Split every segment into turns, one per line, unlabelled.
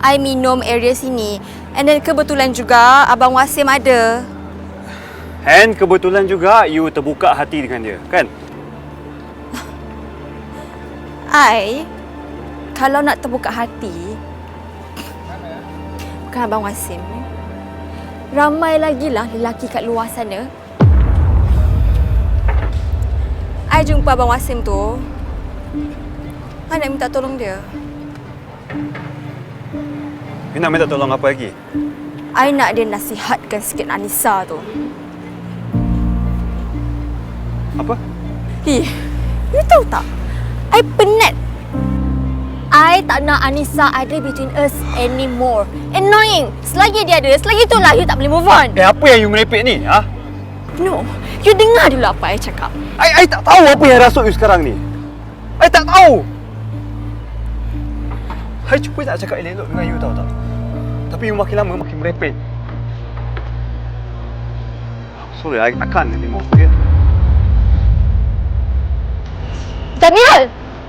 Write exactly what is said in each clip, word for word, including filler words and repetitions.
I minum area sini. And then kebetulan juga Abang Wasim ada.
And kebetulan juga you terbuka hati dengan dia, kan?
I, kalau nak terbuka hati, bukan Abang Wasim. Ramai lagi lah lelaki kat luar sana. I jumpa Abang Wasim tu, I nak minta tolong dia.
You nak minta tolong apa lagi?
I nak dia nasihatkan sikit Anissa tu.
Apa?
Eh, you tahu tak? I penat. I tak nak Anissa ada between us anymore. Annoying. Selagi dia ada, selagi itulah you tak boleh move on.
Eh, apa yang you merepek ni, ha?
No, you dengar dulu apa I cakap.
I, I tak tahu apa yang rasuk you sekarang ni. I tak tahu. I cuba nak cakap elok dengan you, tahu tak? Tapi you makin lama makin merepek. Sorry, I, I can't anymore, okay?
Daniel!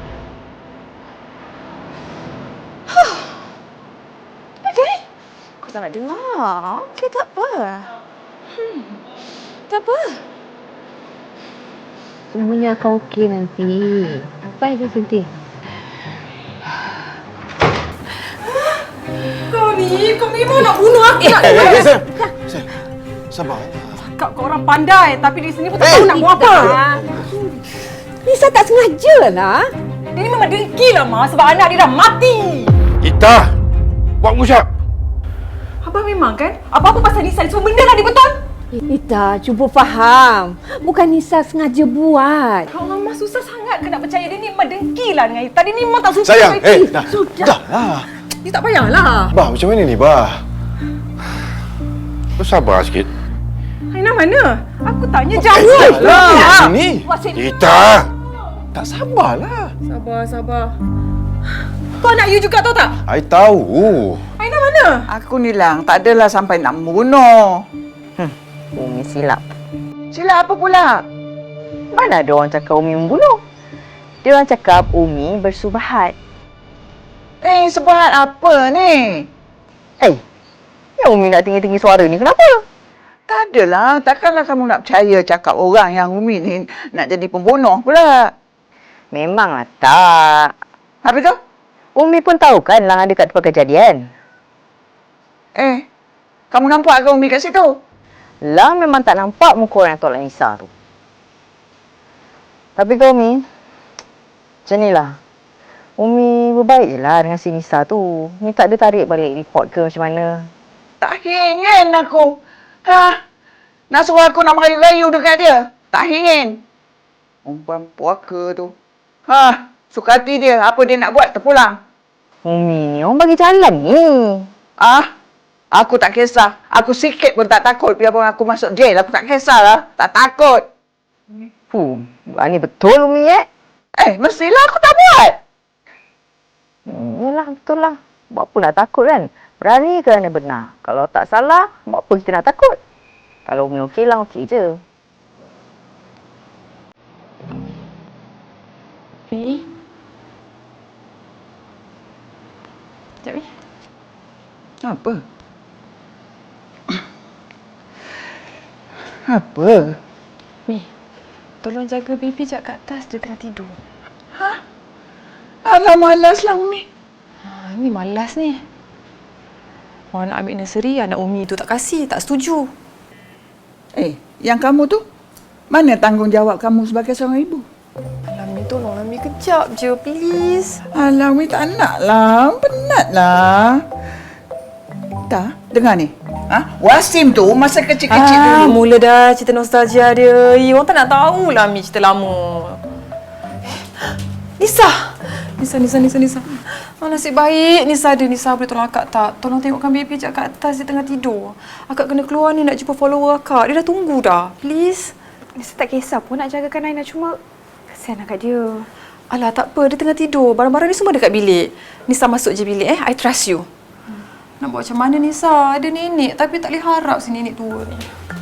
Okay. Kau tak nak dengar. Okay, tak apa. Hmm. Tak apa.
Semuanya akan okey nanti. Apa yang sedih?
Kau ni, kau memang nak bunuh aku nak
Eh, eh, Sam. Sam. Sabar.
cakap kau orang pandai, tapi di sini pun tak tahu nak buat apa.
Nisa tak sengaja lah.
Dia ni memang dengki lah, Ma, sebab anak dia dah mati.
Ita, buat musyak.
Abang memang kan? Apa-apa pasal Nisa ni semua benda lah dia betul.
Ita, cuba faham. Bukan Nisa sengaja buat.
Ya Allah, Ma, susah sangat ke nak percaya dia ni memang dengki lah dengan Ita. Dia ni memang tak suka.
Sayang,
dengan Ita.
eh, dah.
Sudah.
Dah lah.
Dia tak payahlah.
Bah, macam mana ni, Bah? Kau sabar sikit.
Aina mana? Aku tanya
Eh,
jawab
lah.
lah.
Sini. Ita. Tak sabarlah.
Sabar, sabar. Kau anak you juga tahu tak?
I tahu.
Aina mana?
Aku ni lang, tak adalah sampai nak membunuh.
Umi silap.
Silap apa pula?
Mana ada orang cakap Umi membunuh? Dia orang cakap Umi bersubahat.
Eh, sebahat apa ni?
Eh, yang Umi nak tinggi-tinggi suara ni kenapa?
Tak adalah. Takkanlah kamu nak percaya cakap orang yang Umi ni nak jadi pembunuh pula.
Memanglah tak.
Habis tu?
Umi pun tahu kan Lang ada kat tempat kejadian.
Eh, kamu nampak ke Umi kat situ?
Lang memang tak nampak muka orang yang tolak Nisa tu. Tapi kau Umi, macam ni lah. Umi berbaik je lah dengan si Nisa tu. Umi tak ada tarik balik report ke macam mana.
Tak ingin aku. Ha? Nak suruh aku nak merayu-rayu dekat dia? Tak ingin. Umpan puaka tu. Ha? Suka hati dia. Apa dia nak buat, terpulang.
Umi ni orang bagi jalan ni.
Ah? Aku tak kisah. Aku sikit pun tak takut. Biarpun aku masuk jail, aku tak kisahlah. Tak takut.
Fuh, ni betul Umi eh.
Eh, mestilah aku tak buat.
Hmm, yelah, betul lah. Buat apa nak takut kan? Berani kerana benar. Kalau tak salah, buat apa kita nak takut? Kalau Umi okey lah, okey je.
Mi? Sekejap, Mi.
Apa? Apa?
Mi, tolong jaga baby jap kat atas. Dia tengah tidur.
Ha? Alah, malaslah Umi.
Ha, Mi malas ni. Orang nak ambil nursery, anak Umi tu tak kasih, tak setuju.
Eh, yang kamu tu? Mana tanggungjawab kamu sebagai seorang ibu?
Alah, Mi, tolonglah Mi, kejap je, please.
Alah, Umi tak nak lah. Penatlah. Tak, dengar ni. Ha? Wasim tu masa kecil-kecil
Ah,
dulu.
mula dah cerita nostalgia dia. Eh, orang tak nak tahulah Mi cerita lama. Nisa! Nisa, Nisa, Nisa, Nisa. Oh, nasib baik Nisa ada. Nisa boleh tolong akak tak? Tolong tengokkan baby sekejap kat atas, dia tengah tidur. Akak kena keluar ni nak jumpa follower akak. Dia dah tunggu dah. Please.
Nisa tak kisah pun nak jagakan Aina, cuma kesian kat dia.
Alah, tak apa. Dia tengah tidur. Barang-barang ni semua dekat bilik. Nisa masuk je bilik eh. I trust you. Hmm. Nak buat macam mana Nisa? Ada nenek tapi tak boleh harap si nenek tua ni.